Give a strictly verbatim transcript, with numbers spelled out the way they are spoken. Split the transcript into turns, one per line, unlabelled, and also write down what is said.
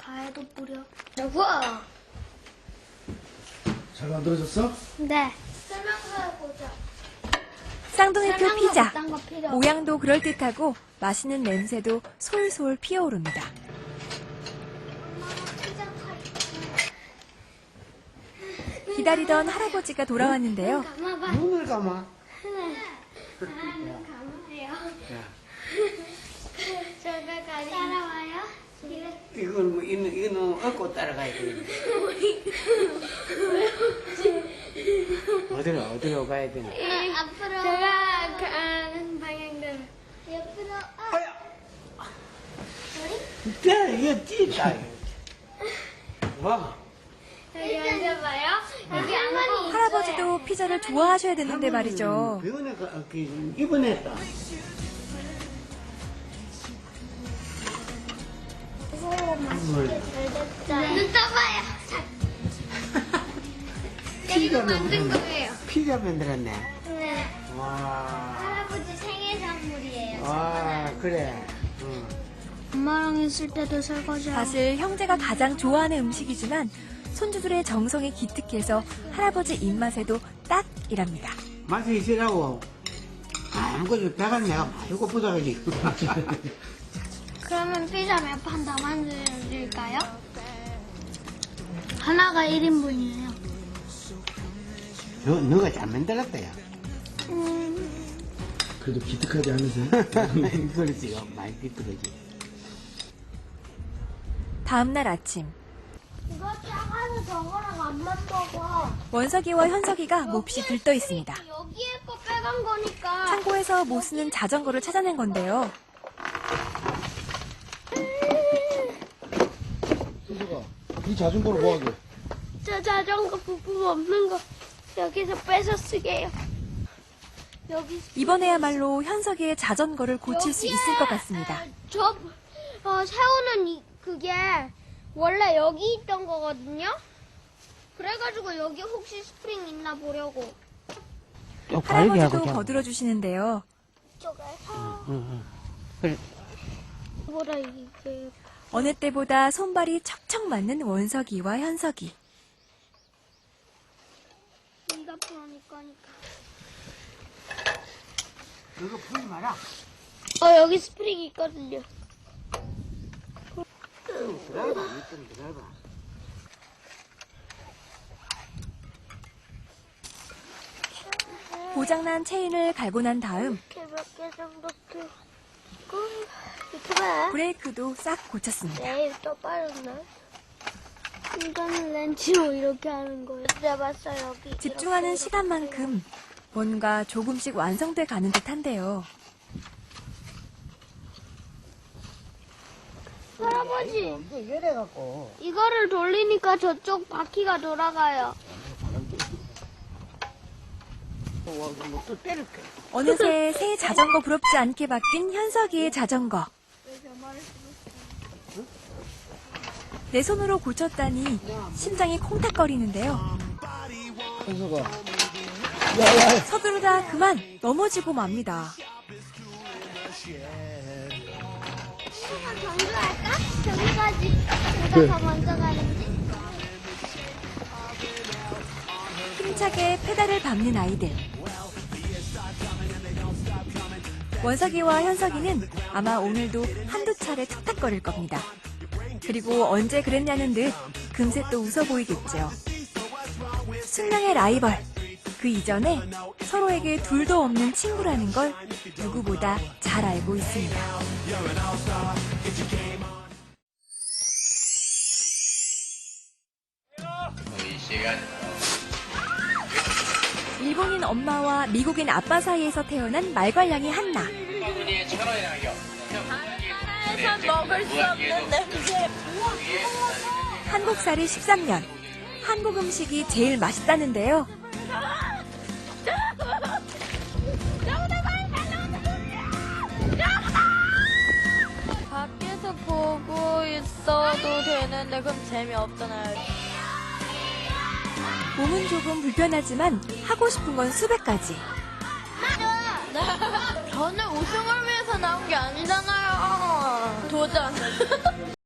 과일도 뿌려. 우와.
잘 만들어졌어?
네. 설명서 보자.
쌍둥이표 피자.
그딴 거 필요 없어.
모양도 그럴듯하고 맛있는 냄새도 솔솔 피어오릅니다. 기다리던 할아버지가 돌아왔는데요.
감아봐.
눈을 감아.
아, 눈 감아요. 저가 가리. 따라와요.
이건 뭐 이는 이는 얻고 따라가야 돼. 어디로 어디로 가야 되나?
아, 앞으로. 제가 가는 방향대로. 옆으로. 아.
아야. 네, 이거 찢다. 와.
여기 앉아봐요. 여기 할머니.
할아버지도 피자를 좋아하셔야 되는데 말이죠.
병원에 가 그, 입원했다.
눈 떠봐요.
피자
이거 만든 거예요.
피자 만들었네.
네.
와.
할아버지 생일 선물이에요.
와, 그래. 응.
엄마랑 있을 때도 설거지.
사실 형제가 가장 좋아하는 음식이지만 손주들의 정성이 기특해서 할아버지 입맛에도 딱이랍니다.
맛이 있으라고. 아무것도 배가 내가 많이 고프다 그지.
그러면 피자 몇 판 더 만들어줄까요? 하나가 일 인분이에요.
너, 너가 잘 만들었다, 야.
음,
그래도 기특하지 않으세요?
그렇지, 많이 비뚤어지.
다음날 아침
이거 작아서 저거랑 안 맞먹어.
원석이와 현석이가 몹시 들떠 있습니다.
여기에 거 빼간 거니까.
창고에서 못 쓰는 자전거를 찾아낸 건데요.
순서가 이 자전거를 뭐 하게?
저 자전거 부품 없는 거 여기서 뺏어 쓰게요. 여기
이번에야말로 현석이의 자전거를 고칠 수 있을 것 같습니다.
저 어, 세우는 이, 그게 원래 여기 있던 거거든요. 그래가지고 여기 혹시 스프링 있나 보려고.
할아버지도 거들어 주시는데요.
이쪽에서
응, 응. 그래.
보다 이게
어느 때보다 손발이 척척 맞는 원석이와 현석이.
네가 풀으니까.
이거 풀지 마라.
어 여기 스프링 있거든요.
기다려봐, 좀 기다려봐.
고장난 체인을 갈고 난 다음
이렇게 몇 개 정도 풀고 이렇게 봐.
브레이크도 싹 고쳤습니다.
내일 또 빠졌나? 이거는 렌치로 이렇게 하는 거예요. 잡았어 여기.
집중하는
이렇게,
시간만큼 뭔가 조금씩 완성돼 가는 듯한데요.
할아버지
이거 이래갖고.
이거를 돌리니까 저쪽 바퀴가 돌아가요.
뭐또 때릴게.
어느새 새 자전거 부럽지 않게 바뀐 현석이의 자전거. 내 손으로 고쳤다니 심장이 콩닥거리는데요.
순서가
서두르다 그만 넘어지고 맙니다.
한번 경주할까? 저기까지 누가 더 먼저 가는지.
힘차게 페달을 밟는 아이들. 원석이와 현석이는 아마 오늘도 한두 차례 툭탁거릴 겁니다. 그리고 언제 그랬냐는 듯 금세 또 웃어 보이겠죠. 숙명의 라이벌. 그 이전에 서로에게 둘도 없는 친구라는 걸 누구보다 잘 알고 있습니다. 일본인 엄마와 미국인 아빠 사이에서 태어난 말괄량이 한나.
나라에선 먹을 수 없는 냄새.
한국살이 십삼 년. 한국 음식이 제일 맛있다는데요.
밖에서 보고 있어도 되는데 그럼 재미없잖아요.
몸은 조금 불편하지만 하고 싶은 건 수백 가지.
저는 우승을 위해서 나온 게 아니잖아요. 도전.